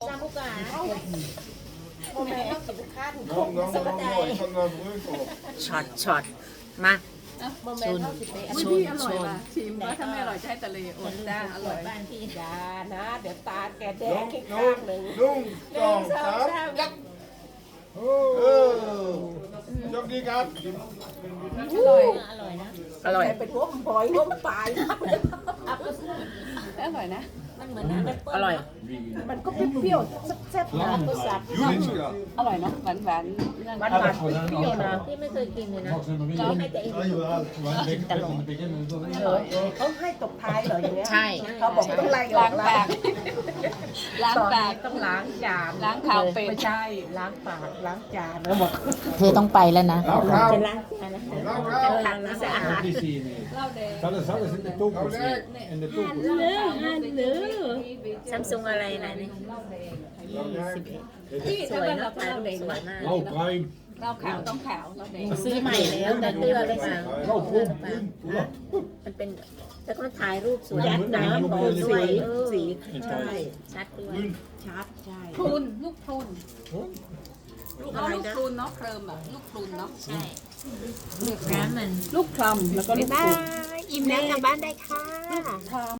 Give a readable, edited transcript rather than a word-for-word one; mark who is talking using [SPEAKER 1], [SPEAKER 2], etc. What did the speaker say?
[SPEAKER 1] จำบุกาโมเมนต์ต้องกินข้าว
[SPEAKER 2] น้องน้องน้องน้อยข้างนอกมือโก
[SPEAKER 3] ช็อตมา
[SPEAKER 1] โมเมนต์ต้องสิบเอ็ด
[SPEAKER 4] อุ้ยพี่อร่อยว่ะชิมว่าถ้าไม่อร่อยจะให้ทะเลอดจ้าอร่อย
[SPEAKER 1] บ้านพี่ยานะ เดี๋ยวตาแกแด
[SPEAKER 2] น้อง ง
[SPEAKER 1] ขี้
[SPEAKER 2] น้อ
[SPEAKER 1] ข้าง งหนึ่ง
[SPEAKER 2] นุ่ง
[SPEAKER 1] ห
[SPEAKER 2] สอง
[SPEAKER 1] นึ่งสอง
[SPEAKER 2] สาม
[SPEAKER 1] สามยัก
[SPEAKER 2] โอ้โชคดีครับ
[SPEAKER 4] อร่อย
[SPEAKER 1] อร่อยนะ
[SPEAKER 3] อร่อย
[SPEAKER 1] เป็นหัวหอยหัวปลาย
[SPEAKER 4] อร่อยนะ
[SPEAKER 1] มันเหมือนน้ำแอปเปิ้ล
[SPEAKER 3] อร่อย
[SPEAKER 1] มันก็เปรี้ยวๆแซ่บๆนะก็สับ
[SPEAKER 2] ยูนิชิกะ
[SPEAKER 4] อร่อยเนาะหวานหวาน
[SPEAKER 1] หวานๆเปรี้ยวๆนะที่ไม่เคยกินเลยนะให้แต่เอง เขาให้ตกท้ายเหรออย่างเงี้ย
[SPEAKER 3] ใช่
[SPEAKER 1] เขาบอกต้องไล่อ
[SPEAKER 4] ล้า
[SPEAKER 1] อก
[SPEAKER 4] ง
[SPEAKER 1] แล้
[SPEAKER 4] ปาว กล้างปาก
[SPEAKER 1] ต้องล้างจาน
[SPEAKER 4] ล้างขาวเป็ด
[SPEAKER 1] ไม่ใช่ล้างปากล้างจานแล้วบอก
[SPEAKER 3] เธอต้องไปแล้วนะ
[SPEAKER 2] แล้วครับ
[SPEAKER 1] จะล้างจานนะ
[SPEAKER 2] แล้วครับ
[SPEAKER 1] ล้างสะอาด
[SPEAKER 4] เหล้าแดง
[SPEAKER 5] Alles in de toekomst. In de toekomst.
[SPEAKER 3] ซัมซุงอะไรนะนี่
[SPEAKER 4] ที่
[SPEAKER 3] ส
[SPEAKER 4] ถ้า
[SPEAKER 3] วย
[SPEAKER 4] เป็น
[SPEAKER 3] เนาะ
[SPEAKER 4] เราก็เหล้าแดง
[SPEAKER 3] สวยมาก
[SPEAKER 5] Blauw bruin.
[SPEAKER 4] เหล้าขาวต้องขาวเหล้าแดง
[SPEAKER 3] ซื้อใหม่แล้วแต่เตื้อเลยมา
[SPEAKER 5] Blauw groen.
[SPEAKER 3] มันเป็นแล้วก็ถ่ายรูปสวย
[SPEAKER 1] ยัดน้ำ
[SPEAKER 3] ด้
[SPEAKER 1] ส
[SPEAKER 3] ว
[SPEAKER 1] วย
[SPEAKER 3] ย
[SPEAKER 1] สีใช่
[SPEAKER 3] ชัดด้วย
[SPEAKER 1] ชัดใช่
[SPEAKER 4] พรุนลูกพรุนลูกเอาลูกพรุนเนาะเคลิมแบบลูกพรุนเนาะ
[SPEAKER 3] ใช่น้ำมัน
[SPEAKER 4] ลูกคลำแล้วก็ลูกพรุน
[SPEAKER 3] อิ่มแล้วกลับบ้านได้ค่ะ
[SPEAKER 4] คลำ